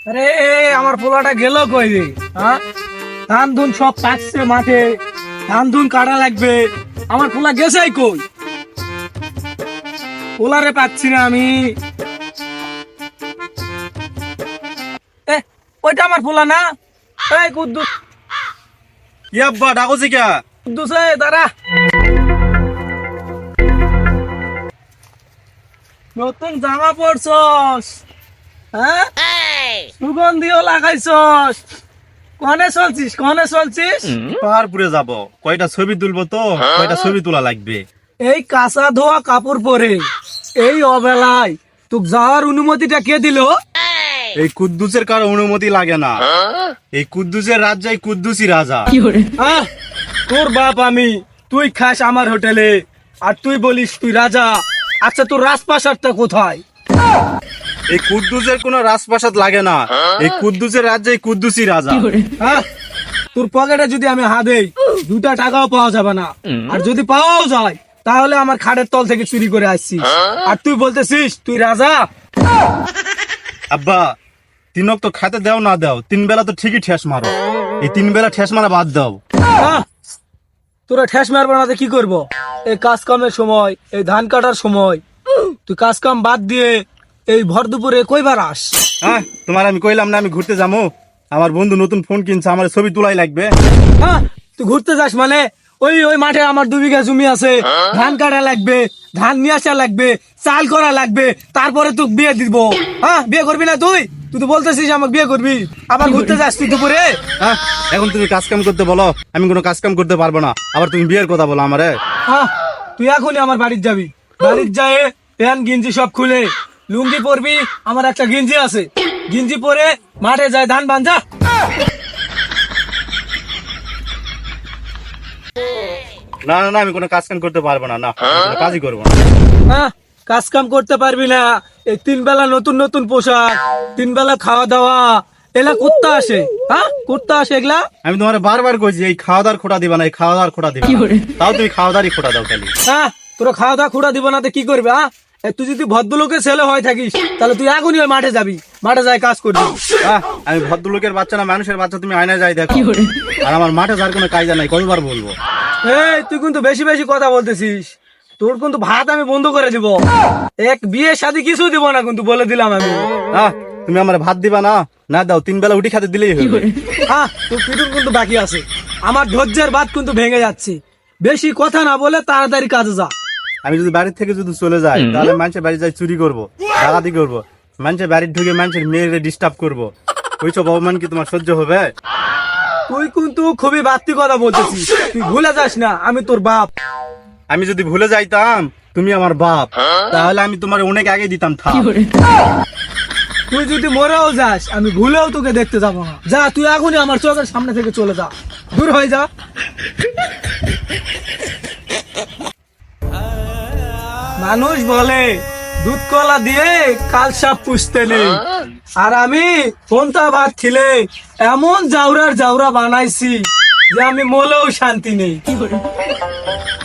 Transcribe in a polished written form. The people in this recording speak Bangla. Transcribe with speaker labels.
Speaker 1: আরে আমার পোলাটা গেল কই রে? হ্যাঁ, ধান ধুন সব কাটছে মাঠে, ধান ধুন কাটা লাগবে। আমার পোলা গেছে কই? পোলারে পাচ্ছি না আমি। ওইটা আমার পোলা না? এই কুদ্দুস,
Speaker 2: কি আব্বা ডাকছি কে?
Speaker 1: কুদ্দুস দাঁড়া। নতুন জামা পরছস, হ্যাঁ, সুগন্ধিও লাগাইছস, কনে চলছিস?
Speaker 2: পাহাড়পুরে যাব, কয়টা ছবি তুলবো তো, কয়টা ছবি তোলা লাগবে।
Speaker 1: এই কাঁচা ধোয়া কাপড় পরে এই অবেলায় তোক যাওয়ার অনুমতিটা কে দিল?
Speaker 2: এই কুদ্দুসের কারো অনুমতি লাগে না। এই কুদ্দুসের রাজ্যে কুদ্দুসই রাজা।
Speaker 1: আহ, তোর বাপ আমি, তুই খাস আমার হোটেলে আর তুই বলিস তুই রাজা। আচ্ছা, তোর রাজপ্রাসাদটা কোথায়?
Speaker 2: এই কুদ্দুসের কোনো রাজপ্রাসাদ লাগে না। এই কুদ্দুসের রাজ্যে কুদ্দুসই রাজা।
Speaker 1: হ্যাঁ, তোর পকেটে যদি আমি হাত দেই 2টা টাকাও পাওয়া যাবে না, আর যদি পাওয়াও যায় তাহলে আমার খাটের তল থেকে চুরি করে আসছিস, আর তুই বলতেছিস তুই রাজা।
Speaker 2: আব্বা, তিনক তো খাতে দাও না দাও, 3 বেলা তো ঠিকই ঠেস মারো। এই 3 বেলা ঠেস মারা বাদ দাও।
Speaker 1: আহ, তোরা ঠেস মারবো না তো কি করবো? এই কাজ কামের সময়, এই ধান কাটার সময় তুই কাজ কাম বাদ দিয়ে এই ভর দুপুরে কইবার আস?
Speaker 2: হ্যাঁ, তোমার আমি কইলাম না আমি ঘুরতে যাবো। আমার বন্ধু নতুন ফোন কিনছে, আমার ছবি তোলাই লাগবে।
Speaker 1: হ্যাঁ, তুই ঘুরতে যাস মানে? ওই ওই মাঠে আমার 2 বিঘা জমি আছে, ধান কাটা লাগবে, ধান নিয়ে আসা লাগবে, চাল করা লাগবে, তারপরে তুই বিয়ে দিব। হ্যাঁ, বিয়ে করবি না তুই? তুই তো বলতেছিস আমাকে বিয়ে করবি, আবার ঘুরতে যাস তুই দুপুরে?
Speaker 2: হ্যাঁ, এখন তুমি কাজ কাম করতে বলো, আমি কোনো কাজ কাম করতে পারবো না। আবার তুমি বিয়ের কথা বলো আমারে।
Speaker 1: হ্যাঁ, তুই এখনই আমার বাড়ির যাবি, বাড়ির যায় প্যান্ট গিঞ্জি সব খুলে লুঙ্গি পরবি। আমার একটা গিঞ্জি আছে, গিঞ্জি পরে মাঠে যায় ধান বাঞ্জা।
Speaker 2: না না না, আমি কোনো কাজ কাম করতে পারবো না। না, আমি কোনো কাজই করবো না।
Speaker 1: হ্যাঁ, কাজ কাম করতে পারবি না? এই 3 বেলা নতুন নতুন পোশাক, 3 বেলা খাওয়া দাওয়া, এলা কুত্তা আসে? হ্যাঁ, কুত্তা আসে এগুলা?
Speaker 2: আমি তোমার বারবার কইছি এই খাওয়া দাওয়ার খোটা দিবা না, এই খাওয়া দাওয়ার খোটা দিবা না। তাও তুমি খাওয়া দাওয়ারই খোটা দাও খালি।
Speaker 1: হ্যাঁ, তোরা খাওয়া দাওয়া খুঁড়া দিব না তো কি করবে? হ্যাঁ, তুই যদি ভদ্রলোকের ছেলে হয়ে থাকিস তাহলে তুই এখনই ওই মাঠে যাবি, মাঠে যাই কাজ করবি।
Speaker 2: হ্যাঁ, আমি ভদ্রলোকের বাচ্চা না, মানুষের বাচ্চা। তুমি আয়নায় যাই দেখো। আর আমার মাঠে যার কোনো কায়দা নাই, কতবার বলবো।
Speaker 1: এই, তুই কিন্তু বেশি বেশি কথা বলতেছিস। তোর কিন্তু ভাত আমি বন্ধ করে দিব, এক বিয়ে শাদী কিছু দিব না কিন্তু, বলে দিলাম আমি।
Speaker 2: হ্যাঁ, তুমি আমার ভাত দিবা না? না দাও, 3 বেলা উঠি খাতে দিলেই হবে।
Speaker 1: হ্যাঁ, তোর পিটুন কিন্তু বাকি আছে। আমার ধৈর্যের বাদ কিন্তু ভেঙে যাচ্ছে। বেশি কথা না বলে তাড়াতাড়ি কাজে যা।
Speaker 2: আমি যদি বাড়ির থেকে যদি চলে যাই তাহলে মানুষের বাড়ি যাই চুরি করবো, ডাকাতি করবো, মানুষের বাড়ি ঢুকে মানুষের মেয়েরে ডিস্টার্ব করবো। ওইসব অপমান কি তোমার সহ্য হবে?
Speaker 1: তুই কিন্তু খুবই বাড়তি কথা বলতেছিস। তুই ভুলে যাস না আমি তোর বাপ।
Speaker 2: আমি যদি ভুলে যাইতাম তুমি আমার বাপ, তাহলে আমি তোমার অনেক আগে দিতাম থাপ।
Speaker 1: তুই যদি মরেও যাস আমি ভুলেও তোকে দেখতে যাবো না। যা, তুই এখনই আমার চোখের সামনে থেকে চলে যা, দূর হয়ে যা। মানুষ বলে দুধ কলা দিয়ে কাল সাপ পুষতে নেই, আর আমি কোনটা ভাত খেলে এমন জাউরার জাউরা বানাইছি যে আমি মলেও শান্তি নেই।